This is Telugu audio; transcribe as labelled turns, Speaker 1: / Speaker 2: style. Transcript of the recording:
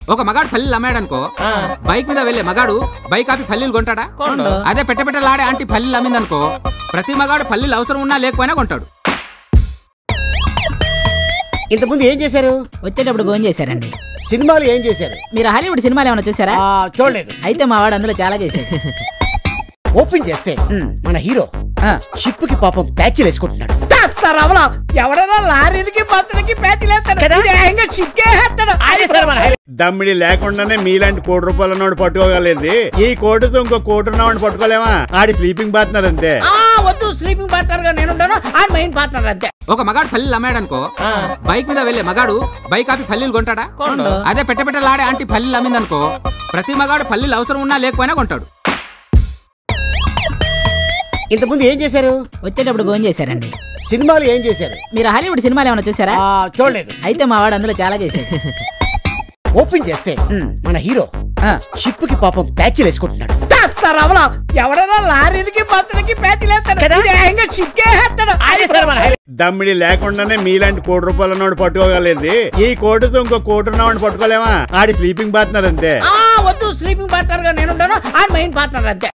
Speaker 1: ఒక మగాడు పల్లీలు అమ్మాడనుకో బైక్ మీద వెళ్లే మగాడు బైక్ ఆపి పల్లీలు కొంటాడా? అదే పెట్టలాడే ఆంటీ పల్లీలు అమ్మిందనుకో ప్రతి మగాడు పల్లీలు అవసరం ఉన్నా లేకపోయినా కొంటాడు.
Speaker 2: ఇంతకుముందు ఏం చేశారు?
Speaker 3: వచ్చేటప్పుడు భోజనం చేశారండి.
Speaker 2: సినిమాలు ఏం చేశారు?
Speaker 3: మీరు హాలీవుడ్ సినిమాలు ఏమైనా చూసారా?
Speaker 2: చూడలేదు.
Speaker 3: అయితే మా వాడు అందులో చాలా చేశాడు.
Speaker 2: ఓపెన్ చేస్తే మన హీరో షిప్ కి పాపం ప్యాచ్లు వేసుకుంటున్నాడు.
Speaker 3: ఎవడైనా లారీలకి బస్సులకి ప్యాచ్లు
Speaker 4: దమ్మిడి లేకుండానే మీలాంటి ₹1 ఉన్నవాడు పట్టుకోగలేదు. ఈ కోటుతో ఇంకో కోటు ఉన్నవాడిని పట్టుకోలేమా? ఆడి స్లీపింగ్ పార్ట్నర్ అంతే.
Speaker 3: వద్దు, స్లీపింగ్ పార్ట్నర్ గా నేనుంటాను, ఆ మెయిన్ పార్ట్నర్ అంతే.
Speaker 1: ఒక మగాడు పల్లీలు అమ్మాడనుకో బైక్ మీద వెళ్లే మగాడు బైక్ ఆపి పల్లీలు కొంటాడా? అదే పెట్టలాడే ఆంటీ పల్లీలు అమ్మిందనుకో ప్రతి మగాడు పల్లీలు అవసరం ఉన్నా లేకపోయినా కొంటాడు.
Speaker 2: ఇంతకుముందు ఏం చేశారు?
Speaker 3: వచ్చేటప్పుడు భోజనం చేశారండి.
Speaker 2: సినిమాలు ఏం చేశారు?
Speaker 3: మీరు హాలీవుడ్ సినిమాలు ఏమైనా చూసారా?
Speaker 2: చూడలేదు.
Speaker 3: అయితే మా వాడు అందులో చాలా చేశాడు.
Speaker 2: ఓపెన్ చేస్తే మన హీరో షిప్ కి పాపం ప్యాచ్లు వేసుకుంటున్నాడు.
Speaker 3: ఎవడైనా లారీలకి బస్సులకి ప్యాచ్లు
Speaker 4: దమ్మిడి లేకుండానే మీలాంటి ₹1 ఉన్నవాడు పట్టుకోగలేదు. ఈ కోటుతో ఇంకో కోటు ఉన్నవాడిని పట్టుకోలేమా? ఆడి స్లీపింగ్ పార్ట్నర్ అంతే.
Speaker 3: వద్దు, స్లీపింగ్ పార్ట్నర్ గా నేనుంటాను, ఆ మెయిన్ పార్ట్నర్ అంతే.